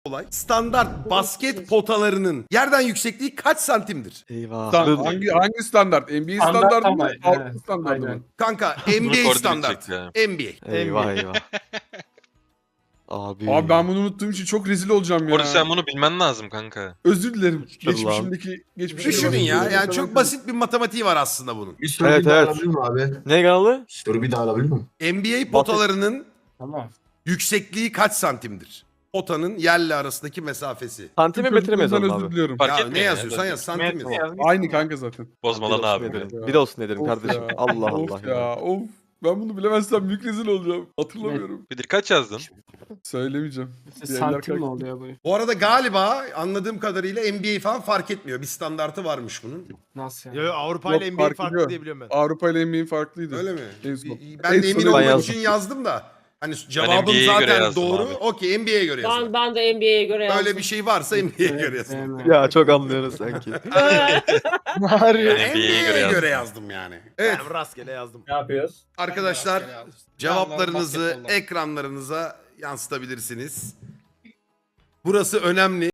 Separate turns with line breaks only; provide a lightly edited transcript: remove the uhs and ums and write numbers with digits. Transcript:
olay. Standart basket potalarının yerden yüksekliği kaç santimdir?
Eyvah.
Hangi standart? NBA standartı mı? Avrupa standartı mı?
Kanka
Bunu
NBA
koordine
standart.
edecek ya.
NBA.
Eyvah eyvah. Abi.
Abi ben bunu unuttuğum için çok rezil olacağım ya.
Orada sen bunu bilmen lazım kanka.
Özür dilerim.
Şükür lan.
Geçmişimdeki
Düşünün ya. Yani çok basit bir matematiği var aslında bunun.
Bir soru
Evet,
bir daha
evet.
alabilir miyim abi?
Ne kanalı?
Soru bir daha alabilir miyim?
NBA potalarının
Tamam.
yüksekliği kaç santimdir? Potanın yerle arasındaki mesafesi.
Santime metre mi
Çocukluğumdan
yazalım
özür
abi?
diliyorum.
Fark
Ya
etmiyor
ne
ya,
yazıyorsan
zaten.
yaz santim
Metre
yaz.
yaz.
Aynı kanka zaten.
Bozma
Bir
lan
olsun
abi.
ederim.
ya.
Bir olsun ederim
Of
kardeşim.
ya.
Allah
Of
Allah.
ya. Of. Ben bunu bilemezsem büyük rezil olacağım. Hatırlamıyorum.
Bedir kaç yazdın?
Söylemeyeceğim. Diğerler
Santim mi
kalk-
oluyor bu?
Bu arada galiba anladığım kadarıyla NBA falan fark etmiyor. Bir standartı varmış bunun.
Nasıl
Yo,
yani?
yo, Avrupa ile
Yok,
NBA
fark
farklı
ediyor.
diye biliyorum ben.
Avrupa ile NBA'in farklıydı.
Öyle mi?
En son.
Ben de
En
emin
son
olmak
yazdım.
için yazdım da. Hani cevabım
NBA'ye göre
zaten
yazdım
doğru.
abi.
Okey NBA'ye göre yazdım.
Ben de NBA'ye göre yazdım.
Öyle bir şey varsa NBA'ye göre yazdım.
Ya çok anlıyoruz sanki.
NBA'ye göre
NBA'ye
yazdım.
göre yazdım yani. Evet
Ben rastgele yazdım.
Ne yapıyoruz?
arkadaşlar cevaplarınızı
basketbolda.
ekranlarınıza yansıtabilirsiniz. Burası önemli.